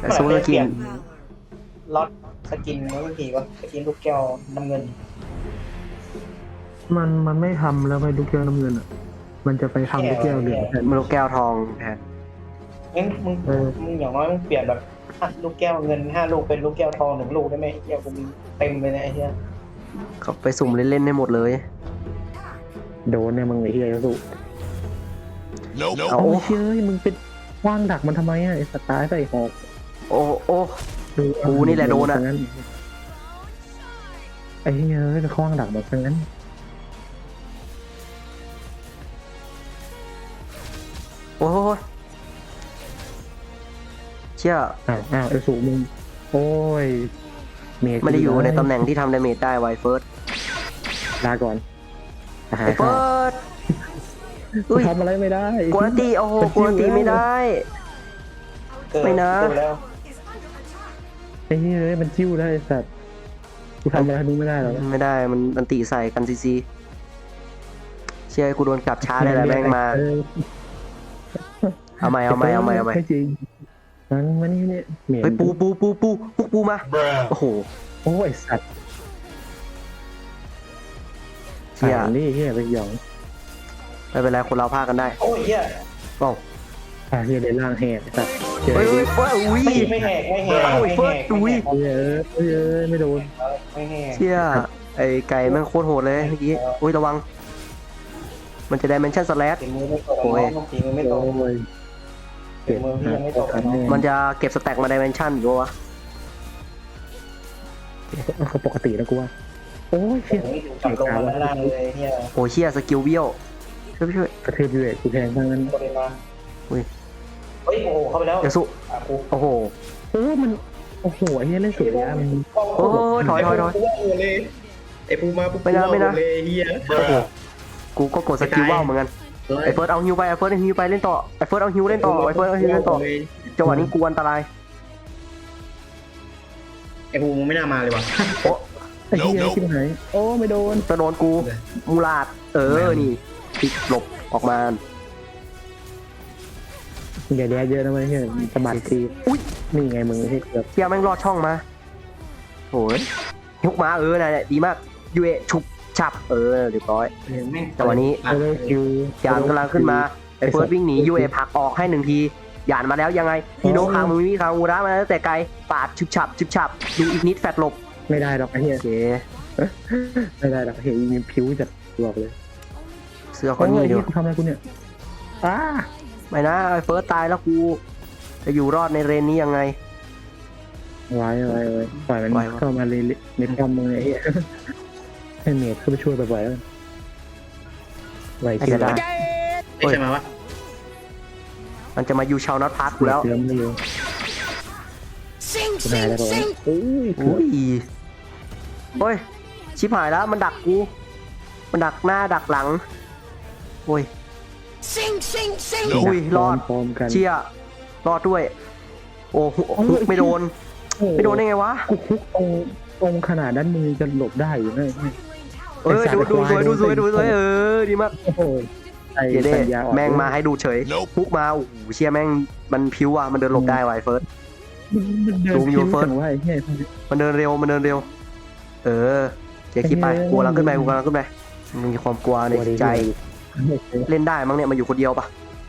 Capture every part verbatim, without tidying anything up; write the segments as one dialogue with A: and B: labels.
A: ซูสกิน
B: ล็อตสกินไม่กี่วะสกินลูกแก้วน้ำเงิน
C: มันมันไม่ทำแล้วไปลูกแก้วน้ำเงินอ่ะมันจะไปทำลูกแก้วเหลืองแทน
A: มันลูกแก้วทองแทน
B: งั้นมึง
C: เออ
B: มึงอย่างน้อยมึงเปลี่ยนแบบอ่ะลูกแก้วเงินห้าลูกเป็นลูกแก้วทองหนึ่งลูกได้ไหมเฮียกูมีเต็มเลยนะไอ้เฮีย
A: เขาไปสุ่มเล่นๆได้หมดเลย
C: โดนเนี่ยมึงไอ้เหี้ยสุ
D: Nope.
A: เอา
C: โอ้เฮ้ยมึงเป็นว่างดักมันทำไมอ่ะไอ้สตาร์ใส่หอก
A: โอ้โอ้ กูนี่แหละโดนอะ
C: งั้นไอ้เหี้ยเอ้ยไปคว้างดักแบบนั้น
A: โอ้ยเชี่ย
C: อ้าวอ้าวไอ้สูมึงโอ้ยเมย์
A: ไม่ได้อยู่ในตำแหน่งที่ทำดาเมจได้ไวเฟิร์ส
C: ลาก่อนหา
A: ไอเฟิร์สอุ้ย
C: ทำอะไรไม่ได้
A: กวนตีโอ้โหกวนตีไม่ได้
B: เกิด
A: ไม่นะ
B: เกิดแล้ว
C: ไอ้เหี้ยเอ้ยมันจิ้วได้ไอ้สัตว์กูทำอะไรมึงไม่ได้หรอก
A: ไม่ได้มันอันตีใส่กันซีซีเชี่ยกูโดนกลับช้าได้แหละแม่งมา
C: เออ
A: เอาใหม่เอาใหม่เอาใหม่เอาใหม่
C: ไม่จริงมันมันนี่เนี่ยเหม็น
A: เฮ้ยปูปูปูปูปูปูมา
D: Bruh.
A: โอ้โห
C: โอ้ยสัตว์
A: เชี่ย
C: อ่านนี่เฮียไปหยอง
A: ไม่เป็นไรคนเราพากันได้
B: โอ้ยเฮีย
A: โอ้
C: อ่าเฮียในร่างแหกสัตว์เจอ
A: เฮ้ยเฮ้ยเฮ้ยอุ้ย
B: ไม่ไม่แหกไม่แหก
A: โอ้ย
B: ไม่
A: เฟิ
B: แห
A: ร์ส
B: ก
A: อุ้ย
C: เฮียเอ้ยเฮ้ยเอ้ยไม่โดน
B: ไม่แหก
A: เชี่ยไอไก่แม่งโคตรโหดเลยเมื่อกี้อุ้ยระวัง มันจะได้เมนชั่นสแลช
B: ฝีมือไม่ตก
A: โอ้ย
B: น้องฝีมือไม่ตก
C: โอ้ย
B: ฝีมือพี่ยังไม่ตกน้อง
A: มันจะเก็บสแต็กมาดิเมนชั่นอยู่วะ
C: เขาปกติแล้วกูว่าโอ้ยเฮีย
B: โอ้ยจับลงมาด้านล่างเลยเฮีย
A: โอ้เชี่ยสกิลเบี้ยวช่วยช่วย
C: กระเทือบเลยกูแทงทั้งนั้น
B: โคเรมา
A: อุ้ย
B: เฮ้ยโอ้โหเข้าไปแล้ว
A: เดี๋ยวสุ
B: อ่ะกู
A: โอ้โห
C: โอ้มันโอ้โหไอ้เฮียเล่นสวยเลยอะมัน
A: โอ้ยถอยถอยถอย
E: ไอ้ปูมาปุ๊บ
A: ไม่นะไม่นะ
E: เลยเฮีย
D: Bruh.
A: กูก็กดสกิลว่าวเหมือนกันไอเฟิร์สเอาฮิวไปไอเฟิร์สเอาฮิวไปเล่นต่อไอเฟิร์สเอาฮิวเล่นต่อไอเฟิร์สเอาฮิวเล่นต่อจังหวะนี้กูอันตราย
E: ไอ้ปูมึงไม่น่ามาเลยว่ะ
A: โอ้
C: ไอ้เฮียชิบหายโอ้ไม่โดน
A: จะโดนกูมูลาดเออนี่พลิกหลบออกมา
C: อย่าแดดเยอะนะเว้ยเฮียสะบัดที
A: อุ้ย
C: นี่ไงมึงเฮียเกือบ
A: เฮียแม่งรอดช่องมาโอ้ยยกมาเออน่ะดีมากยูเอฉุบฉับเออเรียบร้อยจังหวะนี้
C: ไม่ได้คิวย
A: านกำลังขึ้นมาไอเฟิร์สวิ่งหนียูเอผลักออกให้หนึ่งทียานมาแล้วยังไงฮีโน่คางมือมีคางอูระมาแล้วแต่ไกลปาดฉุบฉับฉุบฉับดูอีกนิดแฟดหลบ
C: ไม่ได้หรอกไอ้เฮีย
A: โอเค
C: ไม่ได้หรอกเฮียมีผิวจัดบอกเลย
A: เสื้อค
C: โอ้
A: น
C: ย
A: นี้
C: เฮี
A: เดีย
C: ยว กูทำอะไรกูเนี่ยอ้า
A: ไม่นะไอเฟิร์สตายแล้วกูจะอยู่รอดในเรนนี้ยังไง
C: ไว้ไว้ไว้ปล่อยมัน
A: ไว้วะ
C: เข้ามาเลยในกำมือไอ้เฮียให้เมดเข้าไปช่วยบ่อยๆแล้วกันไหว
A: ไอ้
C: คิว
A: จะได้
C: ได้
E: ไอ้ใช่ไหมวะ
A: มันจะมาอยู่ชาวนัทพาร์คกูแล้ว
C: เติมไม่เยอะ
F: Sing,
C: กูได้
F: sing,
C: แล้วบอกว่า
F: sing.
C: โอ้ย
A: อุ้ยโอ้ยชิบหายแล้วมันดักกูมันดักหน้าดักหลังโอ้ย
F: Sing, sing, sing.
A: อุ้ยรอด
C: พร้อมกัน
A: เชี่ยรอดด้วย โอ้โหฮุกไม่โดน ไม่โดนได้ไงวะ
C: กูคุกตรงตรงขนาดนั้นมือจะหลบได้อยู่เนี่ย
A: เออดูดูสวยดูสวยดูสวยเออดีมาก
C: โอ้โหไอ้
A: เจเด้
C: สัญญาอ่อน
A: แม่งมาให้ดูเฉย
D: Nope.
A: ฮุกมาโอ้โหเชี่ยแม่งมันพิ้วอ่ะมันเดินหลบได้ไวะไอ้เฟิร์ส
C: มันเดิน
A: ซูมอยู่
C: พิ้ว
A: เฟิร์ส
C: จังว่าไอ้เหี้ย
A: มันเดินเร็วมันเดินเร็ว เออเจ๊คิดไปกลัวลังขึ้นไปกูกำลังขึ้นไปมันมีความกลัวในจิตใจเล่นได้มั้งเนี่ยมันอยู่คนเดียวปะ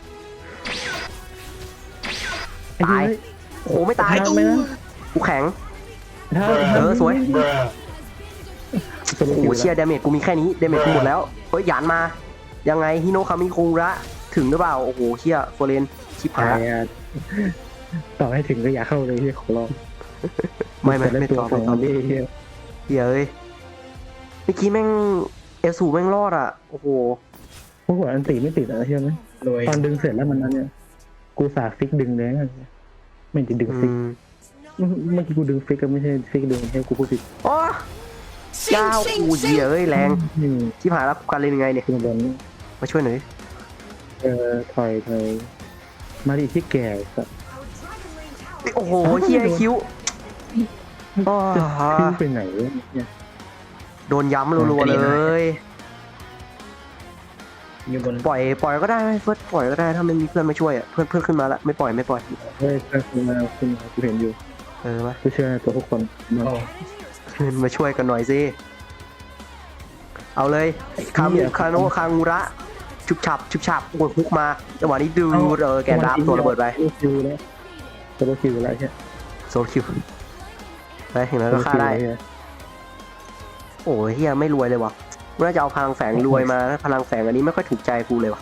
C: ไอ้เหี้
A: ตาย โอ้โหไม่ตาย
C: ทำไหมนะ
A: กูแข็ง
C: ถ้า
A: เออสวย
D: Bruh.
A: โอ้โหเชียร์ดาเมจกูมีแค่นี้ดาเมจกูหมดแล้วเฮ้ยหยานมายังไงฮิโนะคามิคุระถึงหรือเปล่าโอ้โหเชียร์โฟเรนชิบหา
C: ตาย ยอ่ะต่อให้ถึงก็อย่าเข้าเลยที่ขอร้อง
A: ไม่ไม่
C: แต่
A: ไม่
C: ตัว
A: ต่อ
C: ข
A: ไม่
C: อง
A: ต่อ
C: มันนี่เหี้ย
A: เฮียเอ้ยเมื่อกี้แม่งเอลสูแม่งรอดอ่ะโอ้โห
C: พวกหัวอันตีไม่ติดอะเชื่อไหม
E: รวย
C: ตอนดึงเสร็จแล้วมันนั้นเนี่ยกูสาฟิกดึงเลยนะไม่ได้ดึง
A: อื
C: ฟิก
A: ม
C: เมื่อกี้กูดึงฟิกก็ไม่ใช่ฟิกดึงให้กูพูดผิด
A: โอ้
F: Sing,
A: ยาว
F: sing,
A: กูเหี้ย
F: sing.
A: เอ้ยแรง
C: อืม
A: ชิบหายแล้วกูการเล่นยังไงเนี่ย
C: ขึ้นบน
A: มาช่วยหน่อยดิ
C: เออถอยถอยมาดิที่แก่สัส
A: โอ้โหเฮียคิ้วอ้อ
C: จะขึ้นไปไหนวะเนี่ย
A: โดนย้ำรัวๆเลย
E: อยู่บน
A: ปล่อยปล่อยก็ได้ไหมเฟิร์สปล่อยก็ได้ถ้าไม่มีเพื่อนมาช่วยอ่ะเพื่อนเพื่อนขึ้นมาละไม่ปล่อยไม่ปล่อย
C: เฮ้ยเพื่อนคุณมาคุณมากูเห็นอยู่
A: เออมา
C: กูเชื่อในตัวทุกคนมา
E: โอ้
A: ขึ้นมาช่วยกันหน่อยสิเอาเลยคามุคาโนะคางูระชุบฉับชุบฉับกดฮุกมาจังหวะนี้ดูเออแกนรับตัวระเบิดไป
C: โซโลคิวแล้วโซโลคิวแล้วใช่
A: โซลคิวไปอย่างนั้นก็ฆ่าได้โอ้ยเฮียไม่รวยเลยว่ะน่าจะเอาพลังแฝงรวยมาพลังแฝงอันนี้ไม่ค่อยถูกใจกูเลยว่ะ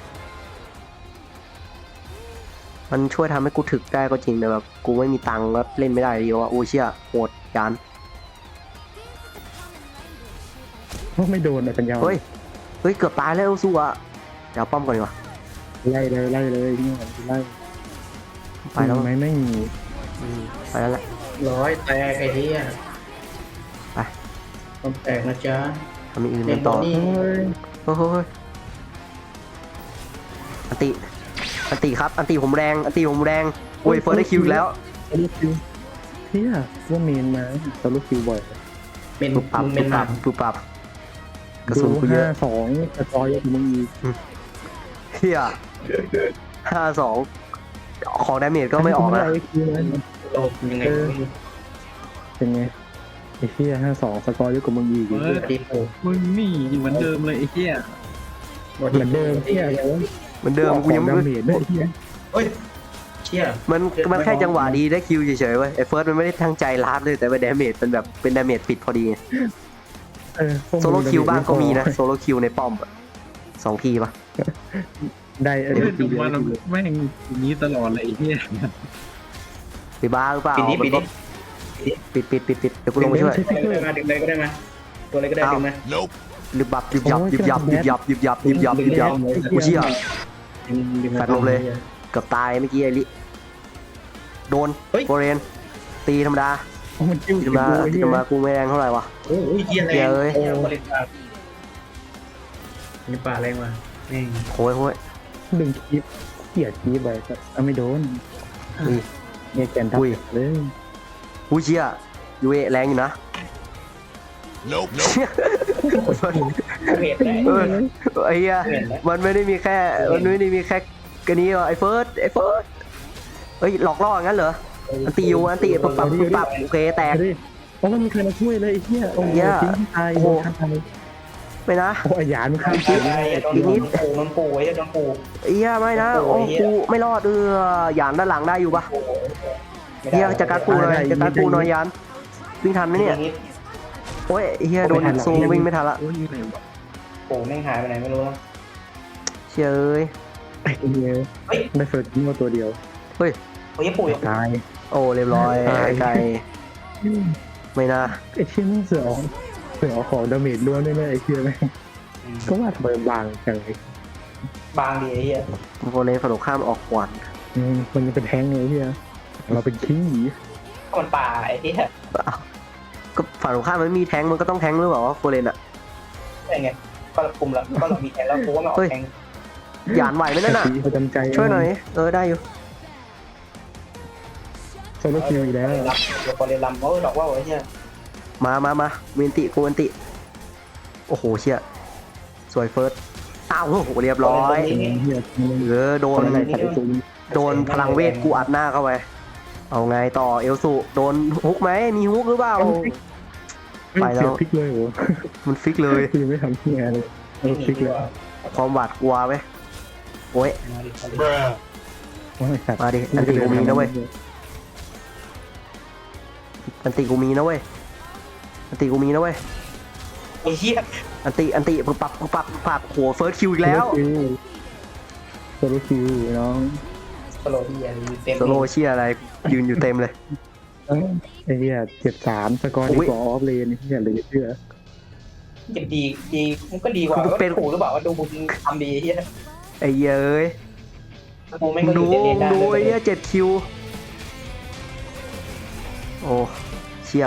A: มันช่วยทำให้กูถึกได้ก็จริงแต่แบบกูไม่มีตังค์แล้วเล่นไม่ได้เดียวอ่ะโอ้เชี่ยโหดยาน
C: ไม่โดนอ่ะปัญญา
A: เฮ้ย เฮ้ย เกือบตายแล้วสู้อ่ะเดี๋ยวป้อมก่อนดีกว่า
C: ไล่เลยไล่เลยนี่มันไล่
A: ไปแล้ว
C: ไม่ไม่มี
A: อืมไปแล้วแหละ
E: ร้อยแตกไอ้เหี้ย
A: ไป
E: ต้องแตกนะจ๊ะ
A: ทำอย่างอื่น
E: เล่
A: กัน นต่อ
E: นี่
C: เฮ้ย
A: โอ้โหยอันติ อันติครับ อันติผมแรง อันติผมแรงโอ้ยเฟิร์สได้คิวอีกแล้ว
C: โซโลคิวเฮียว่าเมนมาโซโลคิวบ่อย
E: เป็น
A: ปุบปับ
E: มึงเป็
A: ปุ
E: น
A: บ
E: ห
A: ปั
E: ลั
A: บบ ปุบปับกระสุน
C: ดู
A: กูเย
C: ห้า
A: อะ
C: สองกระจอยเยอะกว่ามึงอีก
A: เฮียห้าสองของดาเมจก็ไม่ออกนะ
C: ไคิวนะ
E: โลกยังไง
C: เป็นไงไอ้เฮียห้าสองสกอร์เยอะกว่ามึงอีก
E: เออตีโผ
G: มึงนี่เหมือนเดิมเลยไอ้เหี้ย
C: เหมือนเดิมเฮียอะไรวะ
A: เหมือนเดิมกูยังไม่
C: ดาเมจด้วยไอ้เฮีย
E: เฮ้ยเชี่ย
A: มันมันแค่จังหวะดีได้คิวเฉยๆเว้ยไอ้เฟิร์สมันไม่ได้ทั้งใจลาดเลยแต่ว่าดาเมจมันแบบเป็นดาเมจปิดพอดีไง
C: เออพวกมึง
A: โซโลคิวบ้างก็มีนะโซโลคิวในป้อมอะสองทีปะ
C: ได้เออ
G: เล่น
C: ที
G: จบ
C: เดียว
G: มาแล้วแม่งอย่างนี้ตลอดเลยไอ้เหี้ย
A: ไปบ้าหรือเปล่า
E: ปิดนี้
A: มั
E: ปิด
A: นก็
E: นี้
A: ปิดปิดปิดปิดเดี๋ยวกูลงไปช่วย
E: ดึงเลยมาดึงเลยก็ได้มาตัวอะไรก็ได้ดึงมา
D: Nope.
A: ยึบยับยึบยับยึบยับยึบยับยึบยับยึบยับยึบยับกูเชี่ย แฟดลงเลย เกือบตายเมื่อกี้ไอ้ลิโดนโฟเรนตีธรรมดา
C: โอ้มันจิ้ว
A: ตีธรรมดาตีธรรมดากูไม่แรงเท่าไหร่วะ
E: โอ้ยเหี้ยแรง
A: เหี้ยเอ้ย
E: โอ้บริษัทมีป่าแรงว่ะแม่ง
A: โค้ยโค้ย
C: ดึงคีบเกลียดคีบไปสัตว์เอาไม่โดน
A: อุ้ย
C: เนี่ยแกนทับ
A: อุ้ย
C: เลย
A: กูเชี่ยยูเอแรงอยู่นะ
D: Nope. Nope.
E: เหตุได้
A: เออไอ้เหี้ยมันไม่ได้มีแค่มันไม่ได้มีแค่กันนี้หรอไอ้เฟิร์สไอ้เฟิร์สเฮ้ยหลอกล่องั้นเหรออันตีอยู่อันตีปุ๊บปั๊บปุ๊บปั๊บโอเคแตก
C: ดิเพราะมันมีใครมาช่วยเลยไอ้เหี้ยโอ้โห
A: เหี้ย
C: ทิ้งตาย
A: โอ้โห
C: ข้างตาย
A: ไม่นะ
C: โอ้ยหยานมันข้าม
E: ตา
C: ตาย
E: ยโดน
A: อีกนิด
E: ปูมันปูไอ้โดนปู
A: ไอ้เหี้ยไม่นะโอ้กูไม่รอดเออหยานด้านหลังได้อยู่ปะเหี้ยจัดการปูหน่อยจัดการปูหน่อยหยานวิ่งทันไหมเนี่ยโอ้ยไอ้เหี้ยโดนซูมวิ่งไม่ทันละ
G: โอ้ยอยู่ไหนวะ
E: ปูแม่งหายไปไหนไม่รู้แล้ว
A: เชี่ยเอ้ย
C: ไอ้เหี้ยได้เฟิร์สทิ้งมาตัวเดียว
A: เฮ้ย
E: โอ้ยปู
C: ตาย
A: โอ้เรียบร้อยไอ้ไก่ไม่น่า
C: ไอ้เชี่ยนี่เสือออกเสือออกของดาเมจล้วนด้วยนะไอ้เชี่ยแม่งก็ว่าทำไมบางจังเลย
E: บางดีไอ้เหี้ย
A: โฟเรนฝั่งตรงข้ามออกขวาน
C: อืมมันยังเป็นแท้งเลยเฮียเราเป็นขี้หนี
E: คนป่าไอ้เหี้ย
A: ก็ฝั่งตรงข้ามมันมีแทงมันก็ต้องแทงหรือเปล่าวะโฟเรนอะ
E: อะไรเงี้ยก็เราคุมแล้วก็เรามีแทงแล้วกูว่ามันออกแทง
A: หยานไหวไหมนั่นน่ะ
C: ประจำใจ
A: ช่วยหน่อยเออได้อยู่
C: โซโลคิวอีกแล้ว
E: ลำเดี๋ยวพอเรียนลำเออดอกว่าไอ้เหี้ย
A: มามามาเวนติกูเวนติโอ้โหเชี่ยสวยเฟิร์สอ้าวโอ้โหเรียบร้อย
C: เฮีย
A: เออโด
C: คน นอะไรขัดซุ้ม
A: โดนพลังเวทกูอัดหน้าเข้าไปเอาไงต่อเอลสุโดนฮุกไหมมีฮุกหรือเปล่า ไปแล้ว
C: เสียพลิกเลยโห
A: มันฟิกเลย
C: คือไม่ทำที่งานเลยเออพลิกเลย
A: ความหวาดกลัวไหมโอ้ย
D: Bruh.
C: ว่าไอ้สัตว์
A: มาดิอันติกูมีนะเว้ยอันติกูมีนะเว้ยอันติกูมีนะเว้ย
E: ไอ้เหี้ย
A: อันติอันติปึ๊บปับปึ๊บปับปึ๊บปับโหเฟิร์สคิวอีกแล้ว
C: โซโลคิวน้อง
E: สโลที่อะไรเต็ม
A: โซโลเชียอะไรยืนอยู่เต็มเลย
C: ไอ้เหี้ยเจ็ดสามสกอร์ดีกว่าออฟเลนนี่เหี้ยเลยเชื่อ
E: เจ็บดีดีมันก็ดีกว่าก็ถูกหรือเปล่าว่าดูบุญทำดีเหี้ย
A: ไอ้เหี้ยเอ้ย
E: กูไม่ก็
A: ดู
E: อยู่เด่นได้
A: ดูไอ้เหี้ยเจ็ดคิวโอ้เชี่ย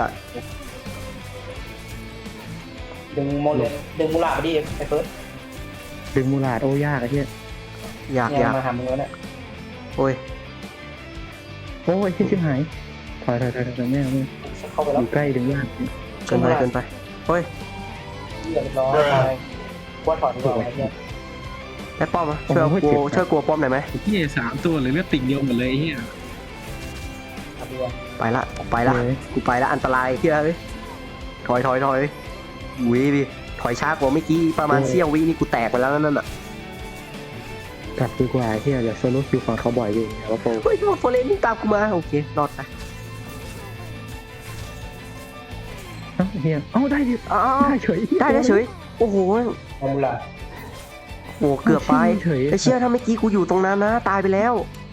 E: ดึงโมเลดึงมูลาไปดิไอ้เฟิร์ส
C: ดึงมูลาดโอ้ยากไอ้เหี้ย
A: อยาก
E: เนี่
A: อย ยาก
E: มาหามึงแล้วเนี่ย
A: โอ้ย
C: โอ้ยที่ชิบหายถอยถอยถอยถอยแม่ไม่
E: เข้าไป
C: อ
E: แล้ว
C: ยู่ใกล้ดึงยาก
A: เกินไปเกินไปเฮ้ย
E: เรียบร้อยไปว่าถอดดีกว่าไอ้เหี้ย
A: ได้ป้อมอ่ะช่วยกูช่วยกูป้อมหน่อยไหม
G: ไอ้เหี้ยสามตัวเลยเลือดติ่งเดียวหมดเลยไอ้เหี้ย
B: เอาดีกว่า
A: ไปละไปละกูไปละอันตรายเฮียเอ้ยถอยถอยถอยวิดิถอยช้ากว่าเมื่อกี้ประมาณเสี้ยววินี่กูแตกไปแล้วนั่นน่ะ
C: กลับดีกว่าที่อยากโซโล่คิวฝั่งเขาบ่อยอยู่แต่ว่าโฟ
A: เฮ้ยโฟเลนนี่ตามกูมาโอเครอดไป
C: เอ้าเฮียเอ้าได้ดิ
A: อ้าว
C: ได้เฉย
A: ได้ได้เฉยโอ้โห
B: เอามูลา
A: โอ้เกือบไป
C: เฉย
A: ไอ้เชี่ยถ้าเมื่อกี้กูอยู่ตรงนั้นนะตายไปแล้ว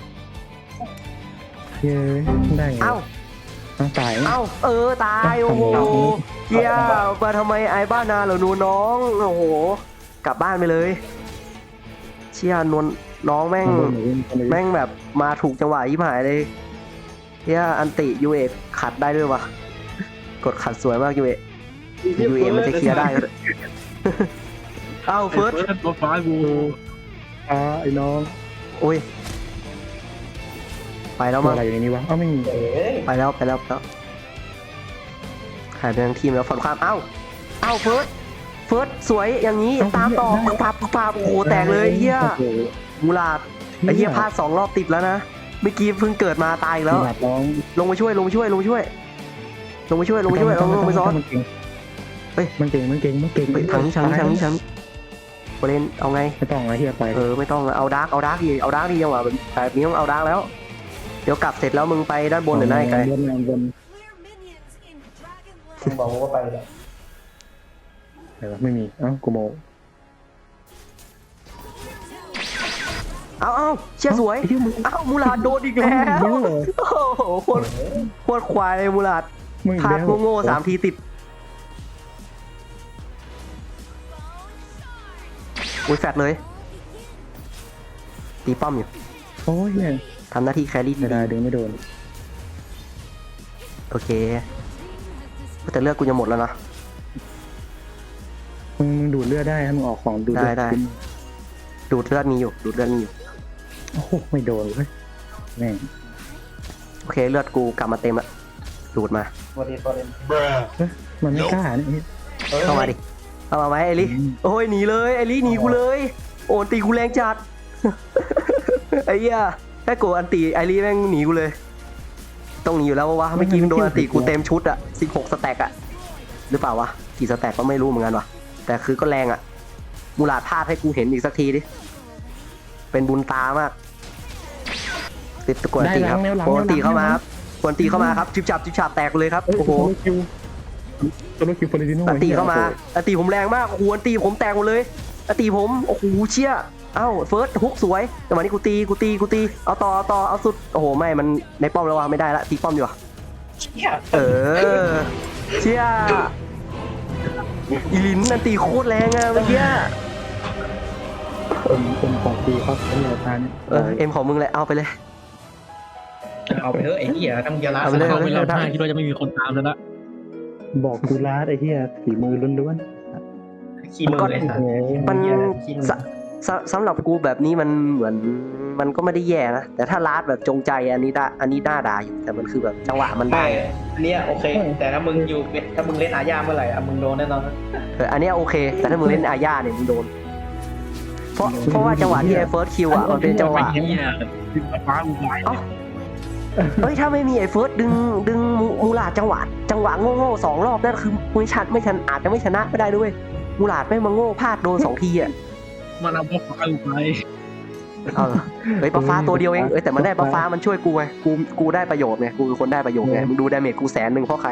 C: เฮียได้ไง
A: เอ้า
C: ต้องตาย
A: เอ้าเออตายโอ้โหเฮียมาทำไมไอ้บ้านนาเหรอหนูน้องโอ้โหกลับบ้านไปเลย เชี่ยนวลน้องแม่งแม่งแบบมาถูกจังหวะยิ่หายเลยเฮียอันติยูเอขัดได้ด้วยวะกดขัดสวยมากยูเอยูเอมันจะเคลียร์ได้ เอ้าเฟิร์ส
G: ตัวฟ้ากู
C: อ่าไอ้น้อง
A: โอ้ยไปแล้ว
C: ตัว
A: มั้ง
C: อะไรอยู่ในนี้วะเอ้าไม่มี
B: เอ้ย
A: ไปแล้วไปแล้วไปแล้วหายไปทั้งทีมแล้วฝั่งความเอ้าเอ้าเฟิร์สเฟิร์สสวยอย่างนี้ตามต่อปับปับปับปับโอ้โหแตกเลยเฮีย
C: โอ้โห
A: มูลาดไอ้เฮียพลาดสองรอบติดแล้วนะเมื่อกี้เพิ่งเกิดมาตายอีกแล้ว
C: หลับน้อง
A: ลงมาช่วยลงมาช่วยลงมาช่วย ลงมาช่วยลงมาช่วยลงลงไปซ้อน
C: มันเก่ง
A: เฮ้ย
C: มันเก่งมันเก่งมันเก่ง
A: ไปทางนี้ทางนี้ทางนี้ทางนี้โอเลนเอาไง
C: ไม่ต้องอะไรเฮียไป
A: เออไม่ต้องเอาดาร์กเอาดาร์กดีเอาดาร์กดีจังหวะแบบนี้ต้องเอาดาร์กแล้ว เดี๋ยวกลับเสร็จแล้วมึงไปด้านบนหรือหน้าไกล
C: บนบน
B: มึงบอกว่าไปเลย
C: ไหนวะไม่มีเอ้ากูโม
A: เอาเอาเชี่ยสวยเอามูลาดโดนอีกแล้วโอ้โหโคตรโคตรควายเลยมูลาด
C: มึง
A: พลาดโง่ๆสามทีติดอุ้ยแฟดเลยตีป้อมอยู่
C: โอ้ยเนี่ย
A: ทำหน้าที่แครี่
C: ไม่
A: ดี
C: ได้ดึงไม่โดน
A: โอเคแต่เลือกกูจะหมดแล้วนะ
C: มึงมึงดูดเลือดได้ถ้ามึงออกของดูดเลือด
A: ได้ได้ ดูดเลือดมีอยู่ดูดเลือดมีอยู่
C: โอ้โหไม่โดนเลยแม่ง
A: โอเคเลือดกูกลับมาเต็มละดูดมา
B: สวัสดีสวัสดี
D: Bruh.
C: มันไม่กล้าเนี่ย
A: เข้ามาดิเข้ามาไหมไอริโอ้ยหนีเลยไอริหนีกูเลย โอนตีกูแรงจัด ไอ้เหี้ยแค่กูอันตีไอริแม่งหนีกูเลยต้องหนีอยู่แล้ววะเมื่อกี้มันโดนอันตีกูเต็มชุดอะสิบหกสแต็กอะหรือเปล่าวะกี่สแต็กก็ไม่รู้เหมือนกันวะแต่คือก็แรงอะมูลาดพลาดให้กูเห็นอีกสักทีดิเป็นบุญตามากติดตะกวนตีครับกวนตีเข้ามาครับกวนตีเข้ามาครับจิบจับจิบจับแตกเลยครับโอ้โห
C: คิวโซโลคิวฟอร์ดิโน่
A: อันตีเข้ามาอันตีผมแรงมากโอ้โหอันตีผมแตกหมดเลยอันตีผมโอ้โหเชี่ยเอ้าเฟิร์สฮุกสวยแต่วันนี้กูตีกูตีกูตีเอาต่อเอาต่อเอาสุดโอ้โหไม่มันในป้อมแล้ววะไม่ได้ละตีป้อมดีกว่า
B: เชี่ย
A: เออเชี่ยอีลินอันตีโคตรแรงอะเมื่อกี้
C: เป็นเป็นของดีครับเป็นแนวทาง
A: เออเอ็มของมึงแหละเอาไปเลย
E: เอาไปเถอะไอ้เหี้ยทั้งเดียวละ
A: เอาไปเลย
G: เข้าไปแล้วท่าคิดว่าจะไม่มีคนตามแล้วละ
C: บอกกูลาดไอ้เหี้ยฝีมือล้วน
E: ขี้มือเลยสัตว์
C: ๆ
A: มัน
E: ขี้มือ
A: สสสำหรับกูแบบนี้มันเหมือนมันก็ไม่ได้แย่นะแต่ถ้าลาดแบบจงใจอันนี้ได้อันนี้น่าด่าอยู่แต่มันคือแบบจังหวะมันได้
E: ไม่อันเนี้ยโอเค แต่ถ้ามึงอยู่ถ้ามึงเล่นอาญาเมื่อไหร่อะมึงโดนแน่นอน
A: เอออันเนี้ยโอเค แต่ถ้ามึงเล่นอาญาเนี่ยมึงโดน เพราะเพราะว่าจังหวะที่ไอ้เฟิร์สคิวอ่ะมันเป็นจังหวะ
G: ไอ้เหี้ยดึงฟ้ากูไว้
A: เอ้าเฮ้ยถ้าไม่มีไอ้เฟิร์สดึงดึงมูมูลาดจังหวะจังหวะโง่ๆสองรอบนั่นคือไม่ชัดไม่ชันอาจจะไม่ชนะไม่ได้ด้วยมูลาดไม่มาโง่พลาดโดนสองทีอ่ะ
G: มันเอาฟ้ากูไป
A: เอาเหรอเฮ้ยปลาฟ้าตัวเดียวเองเอ้ยแต่มันได้ปลาฟ้ามันช่วยกูไงกูกูได้ประโยชน์ไงกูเป็นคนได้ประโยชน์ไงมึงดูดาเมจกูแสนหนึ่งเพราะใคร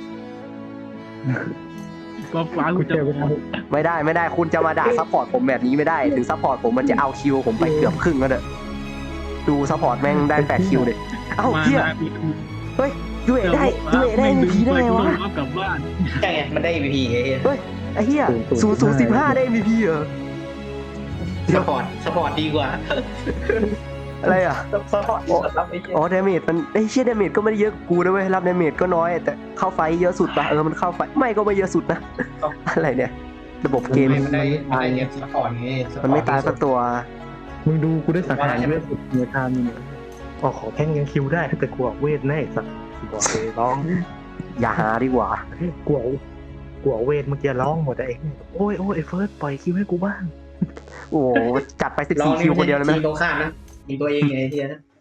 G: ฟ้าฟ้ากู
C: กู
G: จะ
C: เจอไปท
A: ไม่ได้ไม่ได้คุณจะมาด่าซัพพอร์ตผมแบบนี้ไม่ได้ถึงซัพพอร์ตผมมันจะเอาคิวผมไปเกือบครึ่งแล้วเด้อดูซัพพอร์ตแม่งได้แปดคิวเลยเอ้า
G: มา
A: เฮีย
G: นะ
A: เฮ้ยยูเอได้ยูเอได้เอ็มพีได้ไงวะ
G: กลับบ้าน
E: ใช่ไงมันได้ อี พี ไอ้เหี้ย
A: เฮ้ยไอ้เหี้ยศูนย์ศูนย์สิบห้าได้เอ็มพีเหรอ
E: สปอร์ตสปอร์ตดีกว่า
A: อะไรอ่ะ
E: สปอร์ตรับไอ้เหี้ย
A: อ๋อดาเมจมันไอ้เชี่ยดาเมจก็ไม่ได้เยอะกูนะเว้ยรับดาเมจก็น้อยแต่เข้าไฟเยอะสุดปะเออมันเข้าไฟไม่ก็ไม่เยอะสุดนะอะไรเนี่ยระบบเกม
E: มันได้มันได้เงี้ยสปอร์ตไงสปอร์ต
A: มันไม่ตายสักตัว
C: ำมึงดูกูได้สังหารเลือดสุดเนื้อทางนี่ออกของแท่งยังคิวได้แต่กูออกเวทแน่สัตว์บอกเลยร้อง
A: อย่าหาดีกว่า
C: กูเอากูเอาเวทเมื่อกี้ร้องหมดเองโอ้ยโอ้ยไอ้เฟิร์สปล่อยคิวให้กูบ้าง
A: โอ้โหจัดไปสิบ
E: ลอง
A: สี่
E: นี่
A: คิว
E: ไม่
A: คนเดียวเลยไหม
E: ทีมตรงข้ามนะยิงตัวเองไงไอ้เฮียนะ